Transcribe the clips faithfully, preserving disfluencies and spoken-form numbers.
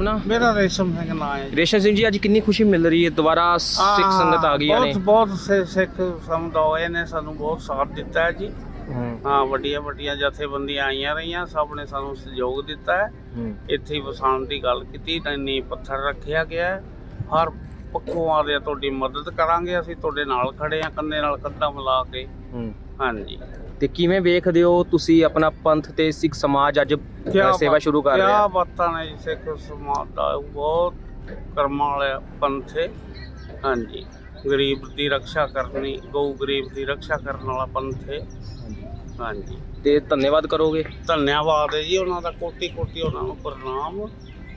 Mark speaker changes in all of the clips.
Speaker 1: अपना?
Speaker 2: मेरा रेशम सिंह नाम है।
Speaker 1: रेशम सिंह जी, आज कितनी खुशी मिल रही है, दोबारा सिख संगत आ गई ने?
Speaker 2: बहुत बहुत से सिख समुदाय ने सानू बहुत साथ दिता है जी। हाँ, वड्डियां वड्डियां जथेबंदियां आईयां रहियां, सब ने सानू सहयोग दिता है। इत्थे वसाण दी गल कीती, नींह पत्थर रखिया गया है। हर पक्खों आ रहे तुहाडी मदद करांगे, असीं तुहाडे नाल खड़े आ, कंधे नाल कंधा मिला के। हाँ जी।
Speaker 1: ਤੇ ਕਿਵੇਂ ਵੇਖਦੇ ਹੋ ਤੁਸੀਂ ਆਪਣਾ ਪੰਥ ਤੇ ਸਿੱਖ ਸਮਾਜ ਅੱਜ ਸੇਵਾ ਸ਼ੁਰੂ ਕਰ ਰਿਹਾ?
Speaker 2: ਕਿਆ ਬਾਤਾਂ ਨੇ ਜੀ, ਸਿੱਖ ਸਮਾਜ ਦਾ ਬਹੁਤ ਕਰਮਾਂ ਵਾਲਾ ਪੰਥ ਹੈ। ਹਾਂਜੀ, ਗਰੀਬ ਦੀ ਰੱਖਿਆ ਕਰਨੀ, ਗਊ ਗਰੀਬ ਦੀ ਰੱਖਿਆ ਕਰਨ ਵਾਲਾ ਪੰਥ ਹੈ। ਹਾਂਜੀ,
Speaker 1: ਤੇ ਧੰਨਵਾਦ ਕਰੋਗੇ?
Speaker 2: ਧੰਨਵਾਦ ਹੈ ਜੀ ਉਹਨਾਂ ਦਾ, ਕੋਟੀ ਕੋਟੀ ਉਹਨਾਂ ਨੂੰ ਪ੍ਰਣਾਮ,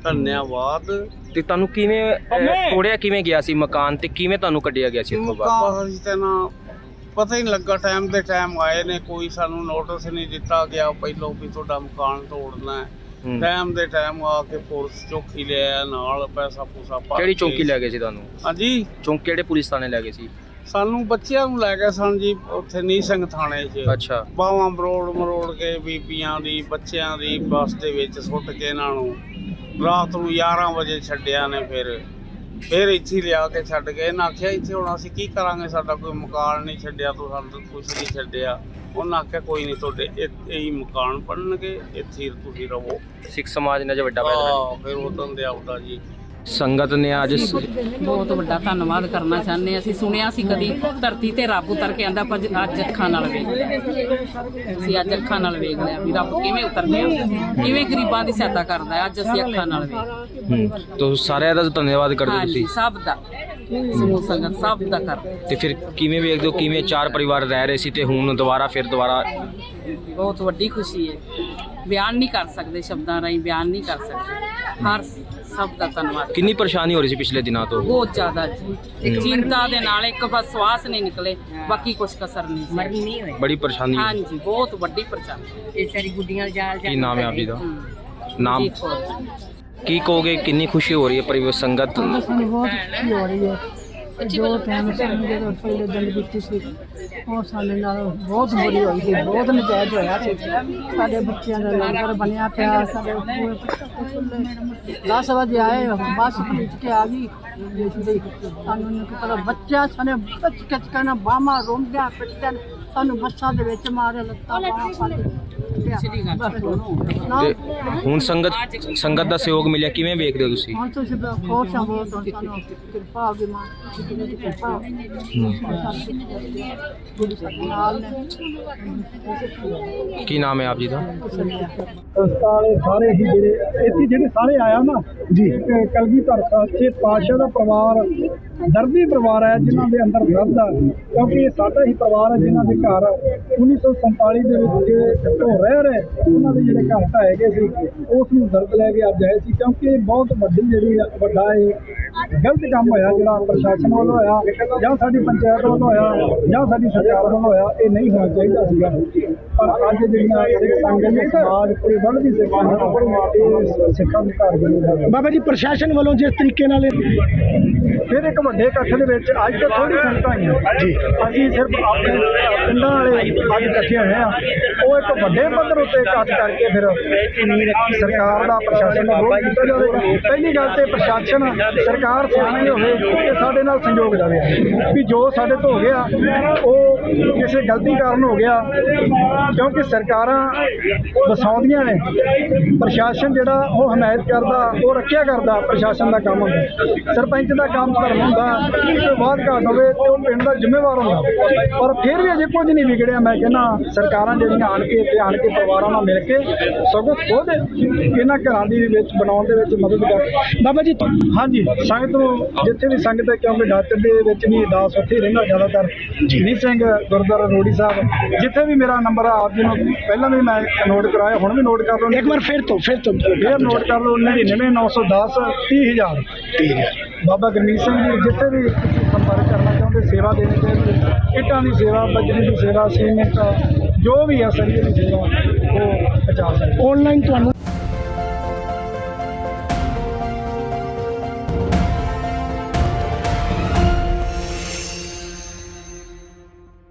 Speaker 2: ਧੰਨਵਾਦ।
Speaker 1: ਤੇ ਤੁਹਾਨੂੰ ਕਿਵੇਂ ਤੋੜਿਆ ਕਿਵੇਂ ਗਿਆ ਸੀ ਮਕਾਨ, ਤੇ ਕਿਵੇਂ ਤੁਹਾਨੂੰ ਕੱਢਿਆ ਗਿਆ ਸੀ ਇੱਥੋਂ ਬਾਹਰ?
Speaker 2: ਮਕਾਨ ਜੀ ਤੇ ਨਾ ਪਤਾ ਹੀ ਨਹੀਂ ਲੱਗਾ, ਟਾਈਮ ਦੇ ਟਾਈਮ ਆਏ ਨੇ, ਕੋਈ ਸਾਨੂੰ ਨੋਟਿਸ ਨਹੀਂ ਦਿੱਤਾ ਗਿਆ ਪਹਿਲੋਂ ਵੀ ਤੁਹਾਡਾ ਮਕਾਨ ਤੋੜਨਾ ਹੈ। ਟਾਈਮ ਦੇ ਟਾਈਮ ਆ ਕੇ ਪੁਲਿਸ ਚੌਕੀ ਲਿਆ ਨਾਲ, ਪੈਸਾ ਪੂਸਾ ਪਾ।
Speaker 1: ਕਿਹੜੀ ਚੌਕੀ ਲੈ ਗਏ ਸੀ ਤੁਹਾਨੂੰ?
Speaker 2: ਹਾਂਜੀ,
Speaker 1: ਚੌਂਕ ਕਿਹੜੇ ਪੁਲਿਸ ਥਾਣੇ ਲੈ ਗਏ ਸੀ?
Speaker 2: ਸਾਨੂੰ ਬੱਚਿਆਂ ਨੂੰ ਲੈ ਗਏ ਸਨ ਜੀ, ਉੱਥੇ ਨੀਂਹ ਸਿੰਘ ਥਾਣੇ 'ਚ।
Speaker 1: ਅੱਛਾ।
Speaker 2: ਬਾਹਾਂ ਮਰੋੜ ਮਰੋੜ ਕੇ ਬੀਬੀਆਂ ਦੀ ਬੱਚਿਆਂ ਦੀ ਬੱਸ ਦੇ ਵਿੱਚ ਸੁੱਟ ਕੇ ਇਹਨਾਂ ਨੂੰ ਰਾਤ ਨੂੰ ਗਿਆਰਾਂ ਵਜੇ ਛੱਡਿਆ ਨੇ। ਫਿਰ ਫਿਰ ਇੱਥੇ ਲਿਆ ਕੇ ਛੱਡ ਗਏ। ਇਹਨਾਂ ਆਖਿਆ ਇੱਥੇ ਹੁਣ ਅਸੀਂ ਕੀ ਕਰਾਂਗੇ, ਸਾਡਾ ਕੋਈ ਮਕਾਨ ਨਹੀਂ ਛੱਡਿਆ, ਤੂੰ ਸਾਨੂੰ ਕੁਛ ਨਹੀਂ ਛੱਡਿਆ। ਉਹਨਾਂ ਆਖਿਆ ਕੋਈ ਨਹੀਂ, ਤੁਹਾਡੇ ਇਹੀ ਮਕਾਨ ਬਣਨਗੇ, ਇੱਥੇ ਤੁਸੀਂ ਰਹੋ।
Speaker 1: ਸਿੱਖ ਸਮਾਜ ਨੇ ਅੱਜ ਵੱਡਾ ਫੈਸਲਾ।
Speaker 2: ਫਿਰ ਉਦੋਂ ਦੇ ਆਉਦਾ ਜੀ
Speaker 1: ਸੰਗਤ ਨੇ ਅੱਜ
Speaker 3: ਬਹੁਤ ਵੱਡਾ ਧੰਨਵਾਦ ਕਰਨਾ ਚਾਹੁੰਦੇ ਹਾਂ। ਅਸੀਂ ਸੁਣਿਆ ਸੀ ਕਦੀ ਧਰਤੀ ਤੇ ਰੱਬ ਉਤਰ ਕੇ ਆਂਦਾ, ਪਰ ਅੱਜ ਅੱਖਾਂ ਨਾਲ ਵੇਖ ਲਿਆ। ਅਸੀਂ ਅੱਜ ਅੱਖਾਂ ਨਾਲ ਵੇਖ ਲਿਆ ਵੀ ਰੱਬ ਕਿਵੇਂ ਉਤਰਦਾ, ਕਿਵੇਂ ਗਰੀਬਾਂ ਦੀ ਸਹਾਇਤਾ ਕਰਦਾ ਹੈ। ਅੱਜ ਅਸੀਂ ਅੱਖਾਂ ਨਾਲ ਵੇਖ।
Speaker 1: ਤੋ ਸਾਰਿਆਂ ਦਾ ਧੰਨਵਾਦ ਕਰਦੇ ਤੁਸੀਂ?
Speaker 3: ਸਭ ਦਾ, ਸਮੂਹ ਸੰਗਤ ਸਭ ਦਾ ਕਰਦੇ।
Speaker 1: ਤੇ ਫਿਰ ਕਿਵੇਂ ਵੇਖਦੇ ਹੋ, ਕਿਵੇਂ ਚਾਰ ਪਰਿਵਾਰ ਰਹਿ ਰਹੇ ਸੀ ਤੇ ਹੁਣ ਦੁਬਾਰਾ ਫਿਰ ਦੁਬਾਰਾ?
Speaker 3: ਬਹੁਤ ਵੱਡੀ ਖੁਸ਼ੀ ਹੈ, ਬਿਆਨ ਨਹੀਂ ਕਰ ਸਕਦੇ, ਸ਼ਬਦਾਂ ਰਾਹੀਂ ਬਿਆਨ ਨਹੀਂ ਕਰ ਸਕਦੇ। ਹਰ ਸਭ ਦਾ ਧੰਨਵਾਦ।
Speaker 1: ਕਿੰਨੀ ਪਰੇਸ਼ਾਨੀ ਹੋ ਰਹੀ ਸੀ ਪਿਛਲੇ ਦਿਨਾਂ ਤੋਂ?
Speaker 3: ਬਹੁਤ ਜ਼ਿਆਦਾ ਜੀ, ਚਿੰਤਾ ਦੇ ਨਾਲ ਇੱਕ ਬਸ ਸਵਾਸ ਨਹੀਂ ਨਿਕਲੇ, ਬਾਕੀ ਕੁਛ ਕਸਰ ਨਹੀਂ ਸੀ।
Speaker 1: ਬੜੀ ਪਰੇਸ਼ਾਨੀ?
Speaker 3: ਹਾਂਜੀ, ਬਹੁਤ ਵੱਡੀ ਪਰੇਸ਼ਾਨੀ। ਇਹ ਸਾਰੀ ਗੁੱਡੀਆਂ ਜਾਲ
Speaker 1: ਕੀ ਨਾਮ ਹੈ ਆਪ ਜੀ ਦਾ? ਨਾਮ ਕੀ ਕਹੋਗੇ, ਕਿੰਨੀ ਖੁਸ਼ੀ ਹੋ ਰਹੀ ਹੈ ਪਰਿਵਾਰ ਸੰਗਤ?
Speaker 4: ਸਾਨੂੰ ਬਹੁਤ ਖੁਸ਼ੀ ਹੋ ਰਹੀ ਹੈ। ਜੋ ਟਾਈਮ ਸਾਨੂੰ ਜਦੋਂ ਪਹਿਲੇ ਦਿਨ ਕੀਤੀ ਸੀ, ਉਹ ਸਾਡੇ ਨਾਲ ਬਹੁਤ ਬੁਰੀ ਹੋਈ ਸੀ, ਬਹੁਤ ਨਜਾਇਜ਼ ਹੋਇਆ ਸੀ। ਸਾਡੇ ਬੱਚਿਆਂ ਦਾ ਲੰਗਰ ਬਣਿਆ ਪਿਆ, ਸਾਡੇ ਦਸ ਵਜੇ ਆਏ, ਬੱਸ ਪਹੁੰਚ ਕੇ ਆ ਗਈ। ਸਾਨੂੰ ਨਹੀਂ ਪਤਾ, ਬੱਚਾ ਸਾਡੇ ਬੱਚ ਕੱਚ ਕਰਨਾ, ਬਾਹਾਂ ਰੋਂਦਿਆਂ ਪਿੱਟਣ, ਸਾਨੂੰ ਬੱਸਾਂ ਦੇ ਵਿੱਚ ਮਾਰੇ, ਲੱਤਾਂ ਬਾਹਾਂ ਫੜ ਕੇ।
Speaker 1: ਹੁਣ ਸੰਗਤ ਸੰਗਤ ਦਾ ਸਹਿਯੋਗ ਮਿਲਿਆ, ਕਿਵੇਂ ਵੇਖਦੇ ਹੋ ਤੁਸੀਂ?
Speaker 4: ਹੁਣ ਤੁਸੀਂ ਖੁਸ਼ ਹੋ, ਬਹੁਤ ਸਾਨੂੰ ਕਿਰਪਾ ਹੋ ਗਈ ਮਾਂ ਦੀ ਕਿਰਪਾ।
Speaker 1: ਕੀ ਨਾਮ ਹੈ ਆਪ ਜੀ ਦਾ?
Speaker 5: ਵਾਲੇ ਸਾਰੇ ਹੀ ਜਿਹੜੇ ਇੱਥੇ ਜਿਹੜੇ ਸਾਰੇ ਆਇਆ ਨਾ ਜੀ, ਕਲਗੀਧਰ ਸੱਚੇ ਪਾਤਸ਼ਾਹ ਦਾ ਪਰਿਵਾਰ ਦਰਦੀ ਪਰਿਵਾਰ ਹੈ, ਜਿਨ੍ਹਾਂ ਦੇ ਅੰਦਰ ਦਰਦ ਆ, ਕਿਉਂਕਿ ਇਹ ਸਾਡਾ ਹੀ ਪਰਿਵਾਰ ਹੈ ਜਿਨ੍ਹਾਂ ਦੇ ਘਰ ਉੱਨੀ ਸੌ ਸੰਤਾਲੀ ਦੇ ਵਿੱਚ ਹੋ ਰਹਿ ਰਹੇ ਉਹਨਾਂ ਦੇ ਜਿਹੜੇ ਘਰ ਢਾਏ ਗਏ ਸੀ, ਉਸ ਨੂੰ ਦਰਦ ਲੈ ਕੇ ਅੱਜ ਆਏ ਸੀ। ਕਿਉਂਕਿ ਇਹ ਬਹੁਤ ਵੱਡੀ ਜਿਹੜੀ ਵੱਡਾ ਇਹ ਗਲਤ ਕੰਮ ਹੋਇਆ, ਜਿਹੜਾ ਪ੍ਰਸ਼ਾਸਨ ਵੱਲੋਂ ਹੋਇਆ ਜਾਂ ਸਾਡੀ ਪੰਚਾਇਤ ਵੱਲੋਂ ਹੋਇਆ ਜਾਂ ਸਾਡੀ ਸਰਕਾਰ ਵੱਲੋਂ ਹੋਇਆ, ਇਹ ਨਹੀਂ ਹੋਣਾ ਚਾਹੀਦਾ ਸੀਗਾ। ਪਰ ਅੱਜ ਜਿਹੜੀਆਂ ਸਿੱਖ ਸੰਗਤ ਦੇ ਸਮਾਜ ਕੋਈ ਵੱਧਦੀ ਸਿੱਖਾਂ ਨੂੰ ਸਿੱਖਾਂ ਦੇ ਘਰ ਬਣੇ ਬਾਬਾ ਜੀ ਪ੍ਰਸ਼ਾਸਨ ਵੱਲੋਂ ਜਿਸ ਤਰੀਕੇ ਨਾਲ ਫਿਰ ਇੱਕ ਵੱਡੇ ਇਕੱਠ ਦੇ ਵਿੱਚ ਅੱਜ ਤੋਂ ਥੋੜੀ ਸੰਗਤਾਂ ਆਈਆਂ ਜੀ, ਅਸੀਂ ਸਿਰਫ ਆਪਣੇ ਪਿੰਡਾਂ ਵਾਲੇ ਅੱਜ ਇਕੱਠੇ ਹੋਏ ਆ। ਉਹ ਇੱਕ ਵੱਡੇ ਪੱਧਰ ਉੱਤੇ ਇਕੱਠ ਕਰਕੇ ਫਿਰ ਸਰਕਾਰ ਦਾ ਪ੍ਰਸ਼ਾਸਨ ਦਾ ਵਿਰੋਧ ਕੀਤਾ ਜਾਵੇਗਾ। ਪਹਿਲੀ ਗੱਲ ਤੇ ਪ੍ਰਸ਼ਾਸਨ ਸਰਕਾਰ ਸਿਆਣੀ ਹੋਵੇ ਤੇ ਸਾਡੇ ਨਾਲ ਸੰਯੋਗ ਦੇਵੇ ਵੀ ਜੋ ਸਾਡੇ ਤੋਂ ਹੋ ਗਿਆ ਉਹ ਕਿਸੇ ਗਲਤੀ ਕਾਰਨ ਹੋ ਗਿਆ, ਕਿਉਂਕਿ ਸਰਕਾਰਾਂ ਵਸਾਉਂਦੀਆਂ ਨੇ, ਪ੍ਰਸ਼ਾਸਨ ਜਿਹੜਾ ਉਹ ਹਮਾਇਤ ਕਰਦਾ, ਉਹ ਰੱਖਿਆ ਕਰਦਾ। ਪ੍ਰਸ਼ਾਸਨ ਦਾ ਕੰਮ ਹੁੰਦਾ, ਸਰਪੰਚ ਦਾ ਕੰਮ ਧਰਮ ਹੁੰਦਾ, ਕਿਸੇ ਬਾਤ ਘਾਟ ਹੋਵੇ ਤੇ ਉਹ ਪਿੰਡ ਦਾ ਜ਼ਿੰਮੇਵਾਰ ਹੁੰਦਾ। ਪਰ ਫਿਰ ਵੀ ਅਜੇ ਕੁਝ ਨਹੀਂ ਵਿਗੜਿਆ। ਮੈਂ ਕਹਿੰਦਾ ਸਰਕਾਰਾਂ ਜਿਹੜੀਆਂ ਆਣ ਕੇ ਇੱਥੇ ਆਣ ਕੇ ਪਰਿਵਾਰਾਂ ਨਾਲ ਮਿਲ ਕੇ ਸਗੋਂ ਖੁਦ ਇਹਨਾਂ ਘਰਾਂ ਦੀ ਵਿੱਚ ਬਣਾਉਣ ਦੇ ਵਿੱਚ ਮਦਦ ਕਰ। ਬਾਬਾ ਜੀ ਹਾਂਜੀ, ਸੰਗਤ ਨੂੰ ਜਿੱਥੇ ਵੀ ਸੰਗਤ ਹੈ, ਕਿਉਂਕਿ ਡਾਕਟਰ ਦੇ ਵਿੱਚ ਵੀ ਅਰਦਾਸ ਉੱਥੇ ਹੀ ਰਹਿੰਦਾ ਜ਼ਿਆਦਾਤਰ। ਨੀਂਹ ਸਿੰਘ ਗੁਰਦੁਆਰਾ ਰੋੜੀ ਸਾਹਿਬ, ਜਿੱਥੇ ਵੀ ਮੇਰਾ ਨੰਬਰ ਆ, ਆਪ ਜੀ ਨੂੰ ਪਹਿਲਾਂ ਵੀ ਮੈਂ ਨੋਟ ਕਰਾਇਆ, ਹੁਣ ਵੀ ਨੋਟ ਕਰ ਲਓ ਇੱਕ ਵਾਰ ਫਿਰ ਤੋਂ ਫਿਰ ਤੋਂ ਫਿਰ ਨੋਟ ਕਰ ਲਓ। ਨੜਿਨਵੇਂ ਨੌ ਸੌ ਦਸ ਤੀਹ ਹਜ਼ਾਰ ਤੀਹ ਹਜ਼ਾਰ ਬਾਬਾ ਗੁਰਮੀਤ ਸਿੰਘ ਜੀ, ਜਿੱਥੇ ਵੀ ਸੰਪਰਕ ਕਰਨਾ ਚਾਹੁੰਦੇ, ਸੇਵਾ ਦੇਣੀ ਚਾਹੀਦੀ, ਇੱਟਾਂ ਦੀ ਸੇਵਾ, ਬਜਰੀ ਦੀ ਸੇਵਾ, ਸੀਮੈਂਟ, ਜੋ ਵੀ ਹੈ ਸਰੀਏ ਦੀ ਸੇਵਾ ਉਹ ਪਹੁੰਚਾ ਸਕਦੇ। ਆਨਲਾਈਨ ਤੁਹਾਨੂੰ